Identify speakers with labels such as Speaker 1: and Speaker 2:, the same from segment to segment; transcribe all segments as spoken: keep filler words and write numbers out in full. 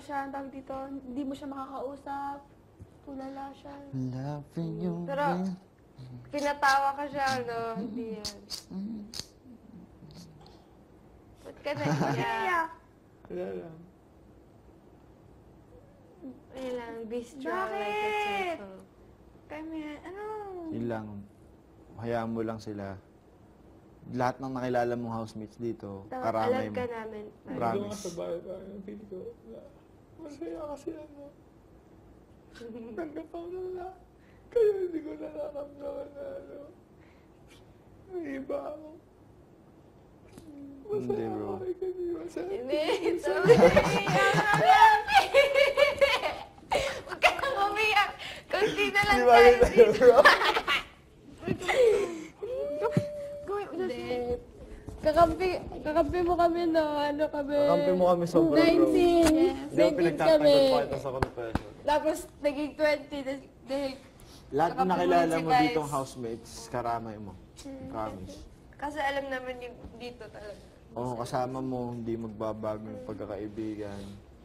Speaker 1: siya, ang tawag dito, hindi mo siya makakausap. Tulala siya.
Speaker 2: Loving you.
Speaker 3: Pero, pinatawa ka siya, ano, hindi yan. Ba't ka naiyak?
Speaker 1: Iyak.
Speaker 2: Wala lang.
Speaker 3: Ayun lang, be strong like a
Speaker 1: Bakit?
Speaker 3: turtle.
Speaker 1: Kami, ano?
Speaker 2: Yun lang. Hayaan mo lang sila. Lahat ng nakilala mong housemates dito,
Speaker 3: Dapat
Speaker 2: karamay
Speaker 3: alam
Speaker 2: mo.
Speaker 3: ka namin.
Speaker 2: Promise.
Speaker 4: Dito nga sa bahay tayo, feel ko, na, masaya kasi ano. Tanggap ako na lahat. Kaya hindi ko nararamdaman na ano. May iba ako.
Speaker 2: Hindi,
Speaker 4: Masaya
Speaker 2: bro.
Speaker 4: ako kasi masaya.
Speaker 3: Hindi, it's okay. Huwag ka nang umiyak. Kunti na lang
Speaker 2: Di ba
Speaker 3: tayo
Speaker 2: yun tayo,
Speaker 3: dito.
Speaker 2: bro?
Speaker 1: Gawin,
Speaker 3: Hindi. Kakampi, kakampi mo kami no, ano kami.
Speaker 2: Kakampi mo kami sobra, bro.
Speaker 3: nineteen.
Speaker 2: Di ba
Speaker 3: nineteen
Speaker 2: pinagtatanggol
Speaker 3: kami.
Speaker 2: pa kita sa confession?
Speaker 3: Tapos naging twenty dah- dahil
Speaker 2: Lahat ng
Speaker 3: Kakampi mo
Speaker 2: nakilala
Speaker 3: si
Speaker 2: mo
Speaker 3: Vice.
Speaker 2: ditong housemates, karamay mo. Promise.
Speaker 3: kasi alam naman yung dito talaga.
Speaker 2: Oo, kasama mo, hindi magbabago yung pagkakaibigan.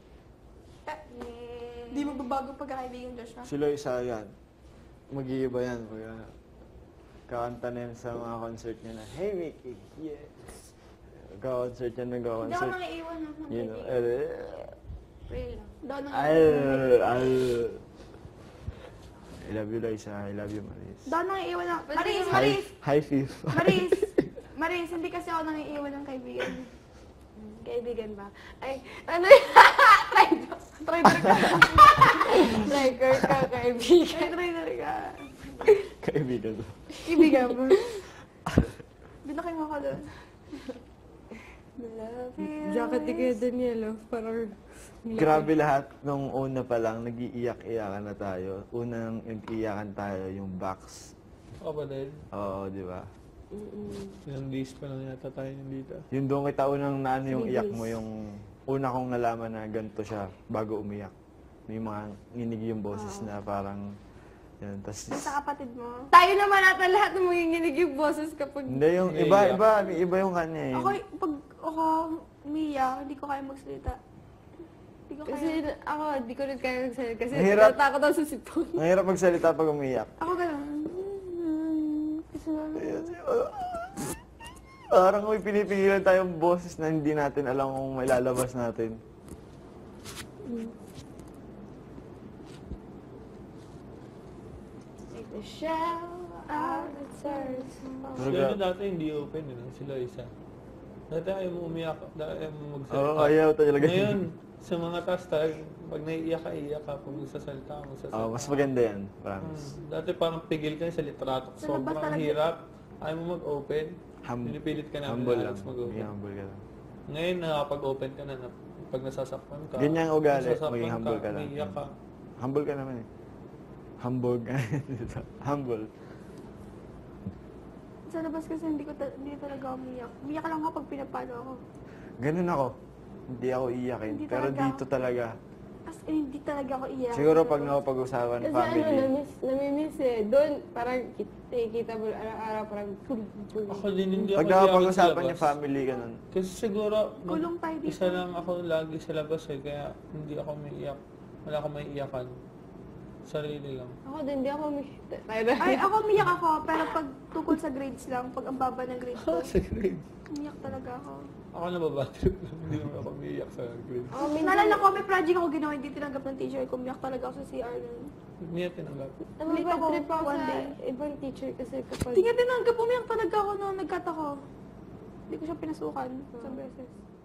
Speaker 1: Hindi magbabago pagkakaibigan, Joshua.
Speaker 2: Sila isa yan. Mag-iiba yan. Pag kakanta na yan sa mga concert niya na, Hey Mickey, yes! Ka-concert yan,
Speaker 1: Hindi ako
Speaker 2: nag-concert.
Speaker 1: nang iiwan ng mga
Speaker 2: You know,
Speaker 1: kaibigan.
Speaker 2: eh,
Speaker 3: Pray lang.
Speaker 1: Hindi ako nang
Speaker 2: ay,
Speaker 1: iiwan.
Speaker 2: ay. I love you, Liza. I love you, Maris.
Speaker 1: Hindi ako nang iiwan ng... Maris,
Speaker 2: Hi,
Speaker 1: Maris!
Speaker 2: hi, Fif.
Speaker 1: Maris! Maris, hindi kasi ako nang iiwan ng kaibigan.
Speaker 3: Kaibigan ba? Ay, ano yun? Traitor.
Speaker 1: Trader ka.
Speaker 3: Traitor ka, kaibigan.
Speaker 1: Ay, trader ka.
Speaker 2: Kaibigan ko.
Speaker 1: Kaibigan mo. Binakin mo ako doon. Love you.
Speaker 3: Jacket ni Kuya Daniel, oh. Parang...
Speaker 2: Grabe lahat. Nung una pa lang, nag-iiyak-iyakan na tayo. Unang nag-iyakan tayo, yung box.
Speaker 4: Ako ba din?
Speaker 2: Oo, di ba?
Speaker 4: Ilang days pa lang yata tayo nandito.
Speaker 2: Yung doon kita unang naano yung iyak mo, yung una kong nalaman na ganito siya bago umiyak. May mga nginig yung boses na parang, yan, tas,
Speaker 1: Yung sa kapatid mo.
Speaker 3: Tayo naman natin lahat ng manginginig yung boses kapag...
Speaker 2: hindi yung
Speaker 4: Hindi,
Speaker 2: iba,
Speaker 4: iyak.
Speaker 2: iba, may iba yung kanya eh.
Speaker 1: Ako, pag ako umiyak, hindi ko kaya magsalita. Hindi ko
Speaker 3: Kasi
Speaker 1: kaya.
Speaker 3: ako, di ko rin kaya magsalita kasi
Speaker 2: Mahirap.
Speaker 3: natatakot ako sa sipon.
Speaker 2: Mahirap magsalita pag umiyak.
Speaker 1: Ako gano'n. Kasi
Speaker 2: Ayun, ayun. Parang may pinipigilan tayong boses na hindi natin alam kung may lalabas natin.
Speaker 3: Take the shell out of turns.
Speaker 2: Pero
Speaker 4: Sila
Speaker 2: gra-
Speaker 4: dati hindi open, ano? Sila isa. Dati ayaw mo umiyak, dati ayaw mo
Speaker 2: Oo,
Speaker 4: magsalita.
Speaker 2: ayaw talaga.
Speaker 4: Ngayon, sa mga taas tayo, pag naiiyak ka, iiyak ka. Pag magsasalita ka, magsasalita
Speaker 2: Oh, mas
Speaker 4: ka.
Speaker 2: maganda yan, promise.
Speaker 4: Hmm, Dati parang pigil ka sa litrato.
Speaker 1: Sa labas
Speaker 4: Sobrang
Speaker 1: talaga.
Speaker 4: hirap. Ayaw mo mag-open.
Speaker 2: Hum-
Speaker 4: Pinipilit ka namin
Speaker 2: humble
Speaker 4: na
Speaker 2: lang.
Speaker 4: Alex mag-open.
Speaker 2: Maging humble ka lang.
Speaker 4: Ngayon, nakapag-open ka na, na pag nasasaktan ka.
Speaker 2: Ganyan ang ugali,
Speaker 4: nasasaktan
Speaker 2: maging humble ka lang.
Speaker 4: Naiiyak ka.
Speaker 2: Humble ka naman eh. Humble ka. Humble.
Speaker 1: sa labas kasi hindi ko ta- hindi talaga ako umiyak. Umiyak lang ako pag pinapalo ako.
Speaker 2: Ganun ako. Hindi ako iyakin.
Speaker 1: Hindi
Speaker 2: Pero
Speaker 1: talaga.
Speaker 2: dito talaga.
Speaker 1: As in, hindi talaga ako iyak.
Speaker 2: Siguro pag nakapag-usapan
Speaker 3: Kasi
Speaker 2: family.
Speaker 3: ano, namiss, namimiss eh. Doon, parang kita, kita mo araw-araw, parang pul pul.
Speaker 4: Ako din hindi ako
Speaker 2: Pag
Speaker 4: iyakin sa
Speaker 2: nakapag-usapan
Speaker 4: labas.
Speaker 2: yung family, ganun.
Speaker 4: Kasi siguro, mag-
Speaker 1: Kulong tayo dito.
Speaker 4: isa lang ako lagi sa labas eh, kaya hindi ako may iyak. Wala akong may iyakan. Sarili lang.
Speaker 3: Ako din, hindi ako may... Tayo na.
Speaker 1: Ay, ako umiyak ako, pero pag tukol sa grades lang, pag ang baba ng grades ko,
Speaker 4: sa grade.
Speaker 1: umiyak talaga ako.
Speaker 4: Ako nababatrip lang, hindi naman ako may iyak sa grade.
Speaker 3: Ako minsan,
Speaker 1: Naalala ko, may project ako ginawa, hindi tinanggap ng teacher ko. Umiyak talaga ako sa C R nun.
Speaker 4: Hindi niya tinanggap.
Speaker 1: Ulit ako
Speaker 3: trip ako
Speaker 1: one
Speaker 3: sa
Speaker 1: day.
Speaker 3: ibang teacher kasi kapag...
Speaker 1: Hindi nga tinanggap, umiyak talaga ako noon, nagkat ako. Hindi ko siya pinasukan isang beses.